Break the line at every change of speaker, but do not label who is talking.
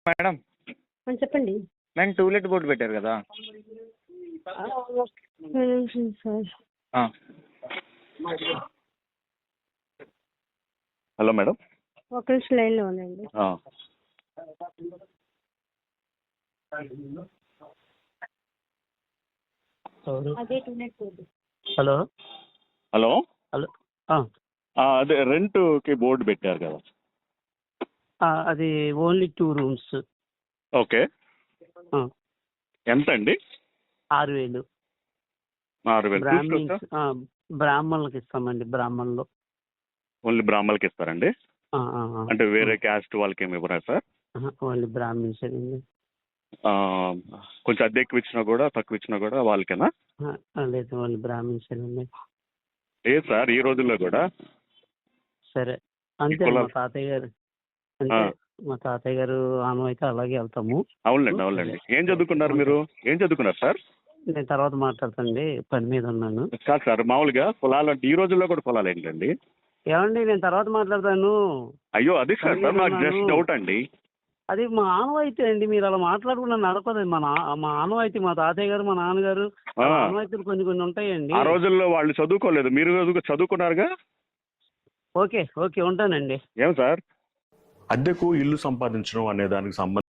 Madam
చెప్పండి.
మేము to let board పెట్టారు కదా.
ఒక్క నిమిషం సార్.
Hello madam.
ఒక్క నిమిషం లైన్లో ఉండండి. అదే to let board.
Hello
hello
hello
అదే రెంట్కి బోర్డు పెట్టారు కదా.
అది ఓన్లీ 2 రూమ్స్.
ఓకే, ఎంత అండి?
6,000.
6,000
బ్రాహ్మణులకు ఇస్తామండి. బ్రాహ్మణులు
ఓన్లీ బ్రాహ్మణులకి ఇస్తారండి? అంటే వేరే క్యాస్ట్ వాళ్ళకి ఏమి ఇవ్వరా సార్?
ఓన్లీ బ్రాహ్మణ్స్ అండి.
కొంచెం అద్దె ఎక్కువ ఇచ్చినా కూడా తక్కువ ఇచ్చినా కూడా వాళ్ళకేనా?
లేదు, ఓన్లీ బ్రాహ్మణ్స్ అండి.
లేదు సార్, ఈ రోజుల్లో కూడా.
సరే, అంతే. మా తాతయ్య గారు అంటే మా తాతయ్య గారు ఆనవాయితీ అలాగే వెళ్తాము.
అవునండి. ఏం చదువుకున్నారు మీరు? ఏం చదువుకున్నారు సార్?
నేను తర్వాత మాట్లాడతానండి, పని మీద ఉన్నాను.
కాదు సార్, మామూలుగా పొలాలు అంటే ఈ రోజుల్లో కూడా పొలాలు ఏంటండి?
ఏమండి, నేను తర్వాత మాట్లాడతాను.
అయ్యో అది సార్, నాకు జస్ట్ డౌట్ అండి.
అది మా ఆనవాయితీ అండి. మీరు అలా మాట్లాడుకున్నా నడపదండి. మా ఆనవాయితీ, మా తాతయ్య గారు, మా నాన్నగారు ఆనవాయితీలు కొన్ని ఉంటాయండి.
ఆ రోజుల్లో వాళ్ళు చదువుకోలేదు, మీరు చదువుకున్నారుగా.
ఓకే, ఉంటానండి.
ఏం సార్, అద్దెకు ఇల్లు సంపాదించడం అనే దానికి సంబంధించి